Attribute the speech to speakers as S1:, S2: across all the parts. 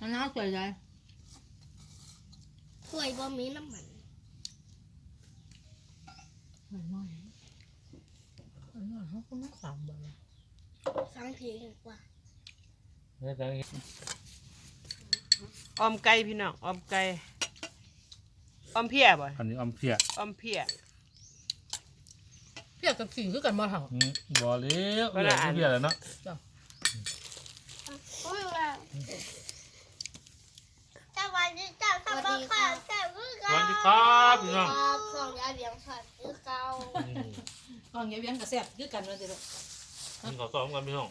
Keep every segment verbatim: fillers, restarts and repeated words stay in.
S1: มันน่าสวยใจ
S2: สวยบ่มีน้ำมัน
S1: หน่อยหน่อยหน่อยเขาก็ไม่สามบาท
S2: ฟังเพลงดีกว่า
S3: ออมไก่พี่น้องออมไก่ออมเพียบ่
S4: อันนี้อมเพีย
S3: ออมเพีย
S1: เพียกับสีคือกันบ่เท่า
S4: บ่เลี้ยวเลี้ยวเพียแล้วเนาะ
S2: โอ้ยว่าสวัสดีจ้าสวัสดีค่ะสวัสดี
S4: ครับพี่น้อง
S2: สองยาเลี้ยงสัตว์คือเก่า
S1: ตอนเงี้ยเวียงกับแซ่บคือกันเลยจ้ะ
S4: กินข้าวต้มกันพี่น้อง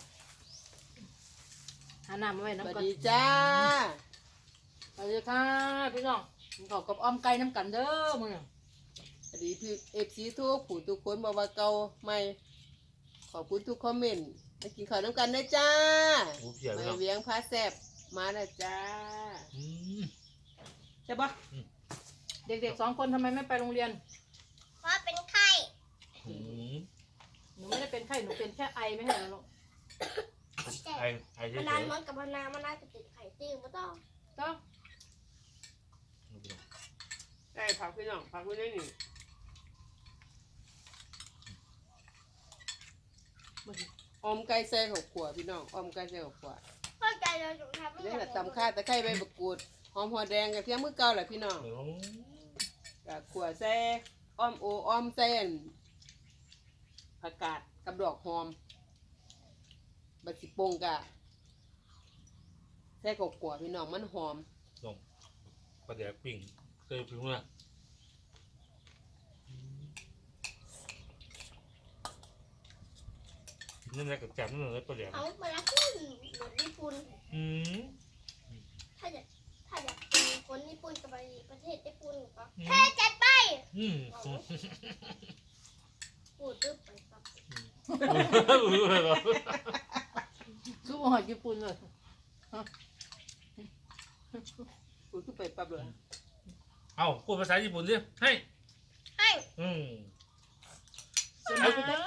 S1: หาน้ำมาไว้น้ำ
S3: สวัส
S1: กัน
S3: ดีจ้า
S1: สวัสดีค่ะพี่น้องขอกับอ้อมไก่น้ำกันเด้อมึง
S3: สวัสดีพี่เอฟซีทุกผู้ทุกคนบอกว่าเก่าใหม่ขอบคุณทุกคอมเมนต์มากินข้าวน้ำกันนะจ้าไม่เวียงพาแซ่บมานะจ้าใช่ปะ
S1: เด็กๆสองคนทำไมไม่ไปโรงเรียน
S2: เพราะเป็นไข้
S1: หนูไม่ได้เป็นไข้หนูเป็นแค่ไอไม่ใช่หรอลูก
S4: ไอไอเฉย
S2: ๆนานมันกับนานมันน่าจะติดไข่ตื้อไม่ต้อง
S1: ต้อง
S3: ได้ผักพี่น้องผักไม่ได้หนิอมไก่แซ่หกขวดพี่น้องอมไก่แซ่หกขวด
S2: เข้าใจเลยจุ๊บทำไม่ได้
S3: นี่แหละตำข้าตะไคร้ใบมะกรูดหอมหัวแดงกับเทียมมือเก่าแหละพี่น้องกับขวดแซ่อ้อมโออ้อมเส้นผักกาดกับดอกหอมบัดสิปงกะแซ่หกขวดพี่น้องมันหอม
S4: น้องปลาแดกปิ้งเคยปิ้งนะนั่นแหละกับแจ่มนั่นเลยปลาแดก
S2: เอาไปละขึ้นเหมือนญี่ปุ่น
S4: อืม
S2: ถ้าอยากถ้าอยากเป็นคนญี่ปุ่นจะไปประเทศญี่ปุ่นก็แค่จัดไป
S4: อืม
S2: พูดตึ๊บไปปั๊บ
S1: คือว่าญี่ปุ่นเลย
S3: พูดขึ้นไปปั๊บเลย
S4: เอาพูดภาษาญี่ปุ่นสิให้
S2: ให้
S4: อืม
S1: เอาไปได้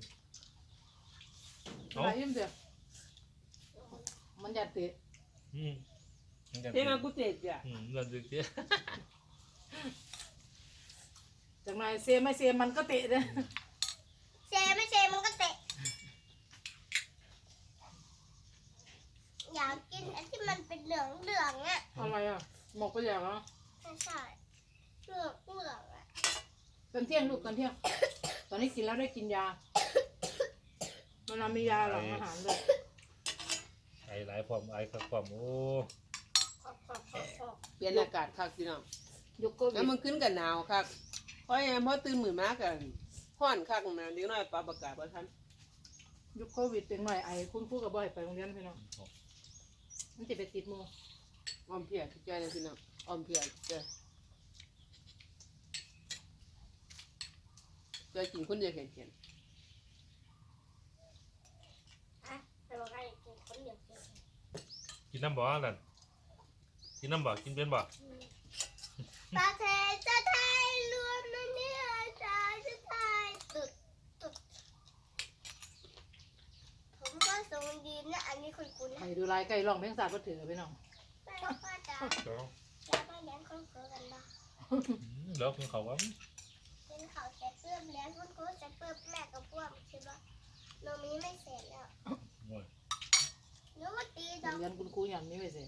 S4: เอา
S1: ยิ้มเสียมันจะเตะ
S4: อืม
S3: เท่ากูเจ็บจ้ะ
S4: อืมนั่นสิเจ้า
S1: จากนายเซไม่เซมันก็เตะเลย
S2: เซไม่เซมันก็เตะอยากกินไอ้ที่มันเป็นเหลืองเหลืองอ่ะ
S1: อะไรอ่ะหมกไปอย่างเหรอ
S2: ไม่ใช่เหลืองเหลืองอ่ะ
S1: ตอนเที่ยงลูกตอนเที่ยงตอนนี้กินแล้วได้กินยามันมียาหลังอาหารเลย
S4: ไอหลายความไอกับความโอ้
S3: เปลี่ยนอากาศคักพี่น้อง
S1: ยกโก้
S3: แล้วมันขึ้นกับหนาวคักเพราะยังเพราะตื่นมือมากกันห้อนคักนะเดี๋ยวน้อยปลาประกาศว่าท่าน
S1: ยุคโควิดเป็นหน่อยไอคุณครูกับบ่อยไปโรงเรียนพี่น้องมันจะไปติดมือ
S3: ออมเพียทุกใจเลยพี่น้องออมเพียเจ้าเจ้ากินคนเดียวเห็นเห็น
S4: กินน้ำบ่อนั่นกินน้ำบ่อกินเป็นบ่
S2: ประเทศจะไทยรวมในเนื้อชาจะไทยตุดตุดผมก็ทรงดีนะอันนี้คุณคุณ
S1: ไปดูลายไก่ลองเพลงสาดก็ถือไปน้อง
S2: ไปแล้วก็จะจะมาเลี้ยงคนเกิดกันบ้าง
S4: แล้วคุณเขาว่า
S2: เป็นเขาเสร็จเพิ่มเลี้ยงคนเกิดเสร็จเพิ่มแม่กับพวกใช่ปะโนมีไม่เสร็จแล้วเนื้อตีดอก
S1: เรียนคุณครูอย่างนี้ไปสิ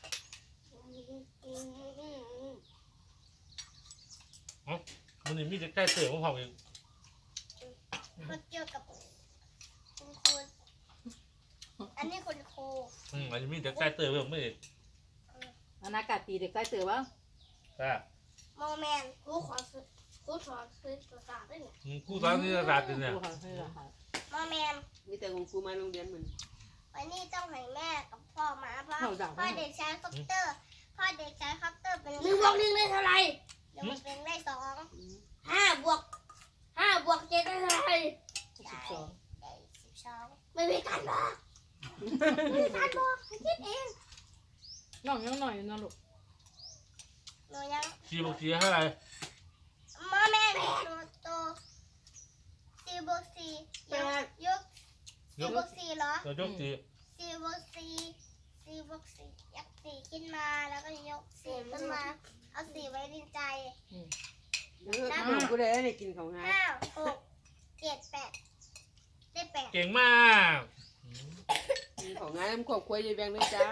S4: อ๋อมันนี่มีแต่ใกล้เสือของเขาเอง
S2: เขาเกี่ยวกับคุณครูอันนี้คุณครู
S4: อืมอันนี้มีแต่ใกล้เสือผมไม่เห็น
S1: อนาคตตีเด็กใกล้เสือบ้าง
S4: ค่ะ
S2: โมแมนครูขอซื้อครูสอนซื้อภาษาด้วยเนี่ย
S4: ครูสอนนี่ภาษาเนี่ย
S2: โมแมน
S3: มีแต่คุณครูมาโรงเรียนเหมือน
S2: วันนี้ต้องให้แม่กับพ่อมาเพราะพ่อเด็กชายคอปเตอร์พ่อเด็กชายคอปเตอร์เป็นหนึ่งบวกหนึ่งได้เท่าไรเดี๋ยวมันเป็นได้สองห้าบวกห้าบวกเจ็ดได้เท่าไร
S1: สิบสอง
S2: ได้สิบสองไม่มีการบอกไม่มีการบอกให้คิดเอง
S1: น้องยังหน่อยนะลูก
S2: หนูยัง
S4: สี่บวกสี่เท่าไร
S2: มาแม่หนูโตสี่บวกสี่ยกยกสี่บวกสี่เหรอย
S4: กสี่
S2: สี่บวกสี่สี่บวกสี่ยักษ์สี่คิขึ้นมาแล้วก็ยกสีขึ้นมา เอาสีไว้ดินใจ
S3: เออขนมกูได้เนี่ยกินของง่าย
S2: ห้าหกเจ็ดแปดได้แปด
S4: เก่งมากอืม
S3: กินของง่ายมันขอบคุยยายแบงเลยจ้า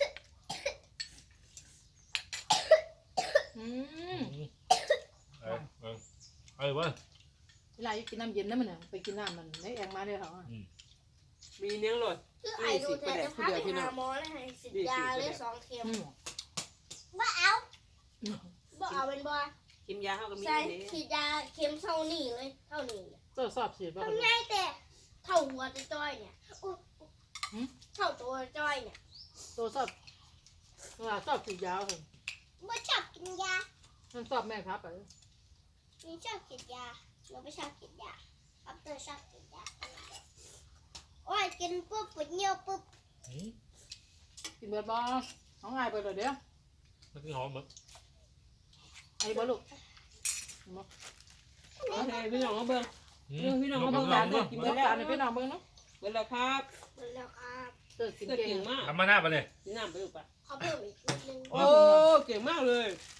S1: อืม
S4: เอ้ยเอ้ยเอ้ยเว้ย
S1: เวลากินน้ำเย็นนะมันน่ะไปกินน้ำมันในแองมาเลยเหรอ
S3: มีเนื้อหลด
S2: คือไอ้ดูเธอจะพาไปหาหมอแล้วให้สิบยาเลยสองเข็ม
S1: อืม
S2: บ่เอาบ่เอาเป็นบ่
S3: กินยาเข้ากับมี
S2: ใช่
S3: นี่
S2: ฉีดยาเข็มเท่านี้เลย เท่านี้
S1: ก็สอบฉีดป่ะ
S2: ทำง่ายแต่เท่าหัวจะจ้อยเนี่ยอุ๊ยเท่าตัวจ้อยเนี่ย
S1: ตัวสอบเวลาสอบฉีดยาเหรอ
S2: บ่ชอบกินยา
S1: มันสอบแม่ครับไป
S2: หนูชอบกินยาหนูไม่ชอบกินยาอัปเตอร์ชอบกินยาโอ้ยกินปุ๊บปวดเยี่ยวปุ๊บ
S4: อืม
S1: กินเบิร์ดบอน้องไงไปเลยเดี๋ยว
S4: มันคือหอมมั้ง
S1: ไอ้บอลูก
S3: โอเคพี่น้องเขาเบิ่ง
S4: อื
S3: เออพี่น้อง
S4: ยก
S3: เขา
S4: มื
S3: เบิ่
S4: อง ล
S3: กั
S4: อน ง
S3: เด้
S4: เนาะ
S3: อกิน
S1: กิน
S3: ไป
S1: เบิร์ด
S3: แล้ว
S1: ตาในพี่น้องเบิ้งเนาะ
S3: เบิ่งแล้วครับ
S2: หมดแล้วครับ
S1: เกิดกิน
S3: เกิด
S1: เก่
S3: เก่
S1: ง
S3: งมาก
S4: ทำมาหน้าไปเลย
S3: กินน้ำไปลูกปะ
S2: เขาเพิ่มอีกนิดนึง
S3: โอ้เก่งมากเลย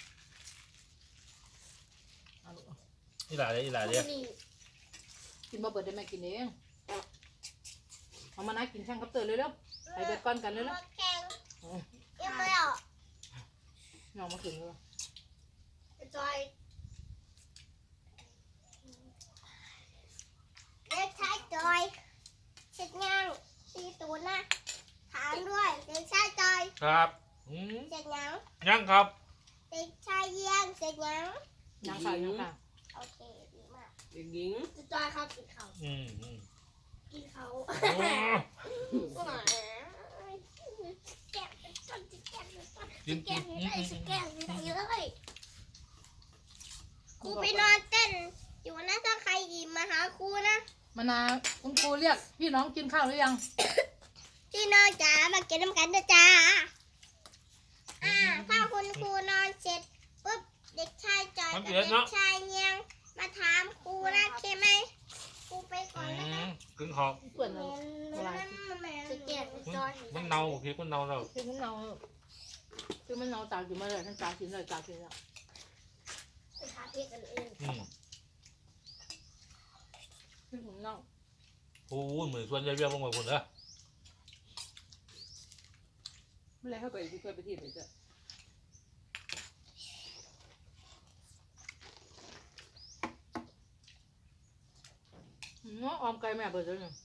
S4: อีหลาเลยอีหลาเลย
S2: นี่
S1: กินบอเบิร์ดได้แม่กินเองเอามานะกินช่างกับเตอร์เลยแล้วไปเบิร์ดก้อนกันเลยแล้ว
S2: แข็งยังไม่ออก
S1: น้องมากินเลย
S2: จอยเด็กชายจอยเช็ดย่างตีตูนนะถามด้วยเด็กชายจอย
S4: ครับอืม
S2: เช็ดยัง
S4: ยังครับ
S2: เด็กชายเยี่ยงเช็ดยัง
S1: ยังค่ะยังค่ะ
S2: โอเคดีมาก
S3: เด็กหญิง
S2: จอยครับกินเขา
S4: อืมอืม
S2: กินเขา
S4: โอ้
S2: แก้มเป็นต้นแก้มเป็นต้น
S4: กิน
S2: แก้
S4: กิ
S2: ม
S4: น
S2: ไม่
S4: อืม
S2: ได้
S4: อืม
S2: แก้มไม่ได้เลยครูไปนอนเต้นอยู่นะถ้าใครอีมาหาครูนะ
S1: มานาคุณครูเรียกพี่น้องกินข้าวหรือยัง
S2: พี่น้องจ๋ามากินน้ำกันนะจ๊ะอ่าถ้าคุณครูนอนเสร็จปุ๊บเด็กชายจอยกับเด็กชายเนียงมาถามครูนะใช่ไหมครูไปก่อน
S4: อื
S2: นะคะ
S4: มกึ่งหอม
S1: เพื่อนเรา
S2: สเก็ตจอย
S4: มันเน่าพี่มันเน่าเรา
S1: คือมันเราคือมันเราตากอยู่มาเลยทั้งตากกินเลยตากกินแล้ว
S2: ไปหาเพื่อนกันเอง
S4: อืม
S1: คือผมเน่า
S4: โอ้ยเหมือนชวนยายเบี้ยลงมาคนเด้อ
S3: เมื่อไรเข้าไปที่เคยไปที่ไหนจ้ะ
S1: เนาะออมไก่แม่เบิดเลยเนี่ย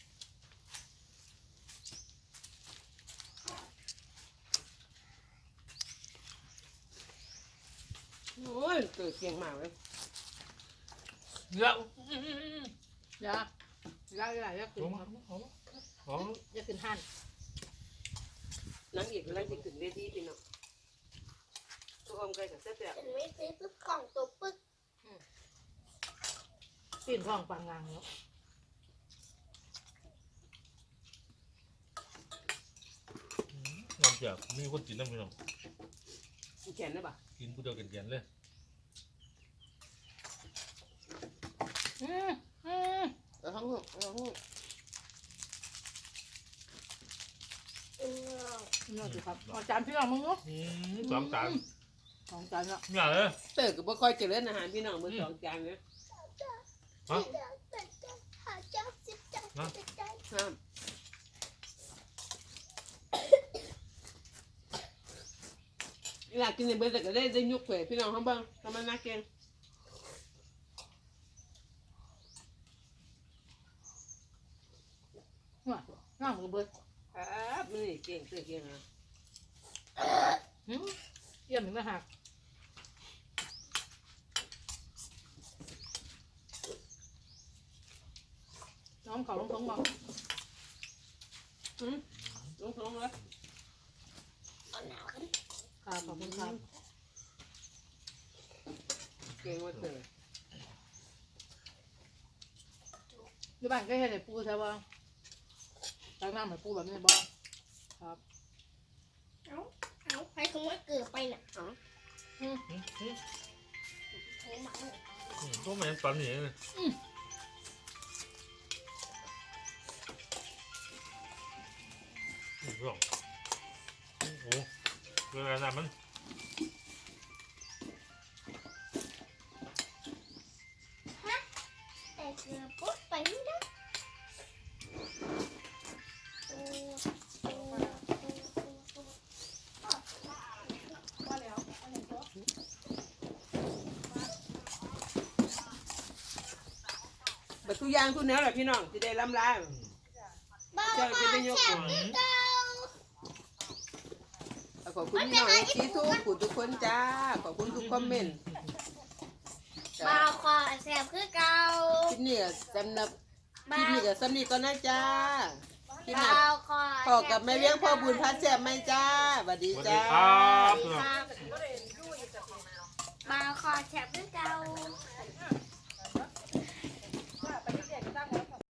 S3: โอ้ยเกิดเก่งมากเลย
S4: เยอะ
S1: ยา ยาอะไรยาขึ้น
S4: หอมหอมหอม
S1: ยาขึ้นหัน
S3: นังเอกอะไรจะขึ้นเวทีพี่น้องตัวอมไก่กับเส้นเปียก
S2: เป็นไม่ซื้อปุ๊บกล่องตัวปึ๊ก
S1: ปีนท้องปังงางเนาะ
S4: น้ำเจียวมีคนกินน้ำพี่น้อง
S3: แขนได้ปะ
S4: กินกูเดียวกันๆเลย
S1: อืมอืม
S3: เออห้องห้องเออห้อง
S2: เออ
S1: นี่สิครับเอาจานพี่น้องมึงเนาะ
S4: อืมสองจาน
S1: สองจานละ
S4: เนี่ยเลย
S3: เติร์ก็บ่ค่อยเจริญอาหารพี่น้องมือสองจานเลย
S4: ฮะ
S2: หาเจ้าสิบเจ้าสิบเจ้า
S3: ห้ามอยากกินในเบอร์แต่ก็ได้ได้ยุกเผยพี่น้องเขาบ้างทำมันน่าเก่ง
S1: ว่าน้ำกับเบิด
S3: ครับมันนี่เก่งเสือเก่งนะ
S1: หืมเยี่ยมถึงนะหักน้องเขาลงท้องบอก
S3: อืมลงท้องเลย
S2: เอาหนาวกัน
S1: ค่ะขอบคุณครับ
S3: เก่งว่าเสือ
S1: อยู่บ้านก็เห็นไอ้ปูใช่ป่ะล้างน้ำเหมือนปูแบบนี้บ่ครับ
S2: เอาเอาใครคงว่าเกิดไปน่ะ
S3: อ๋อ
S1: อืม
S4: อืมอืม
S2: โทรมาเลย
S4: อืมก็ไม่เห็นตอนนี้เลยอืมลองโอ้โหเวลานั้นมัน
S2: แต่เกลือปุ๊บไปไม่ได้โอ้โอ้โอ้โอ้โอ้
S1: ว่าแล้วอันไหนตัว
S3: บัดทุกอย่างทุกแนวแหละพี่น้องที่ได้ล้ำลา
S2: บ้าบ้าแซ่บคือเก่า
S3: ขอบคุณพี่น้องที่ทุกผู้ทุกคนจ้าขอบคุณทุกคอมเมนต์
S2: บ้าคอแซ่บคือเก่า
S3: คลิปนี้ก็สำหรับคลิปนี้ก็สำนีก่อนนะจ้าคลิปห
S2: บ้า
S3: น้า
S2: คอ
S3: พ่อกับแม่เลี้ยงพ่อบุญพัดแซ่บไหมจ้าสวัสดี
S4: สวัสดี
S3: จ้า
S4: ครับ
S2: บ้าคอแซ่บคือเก่า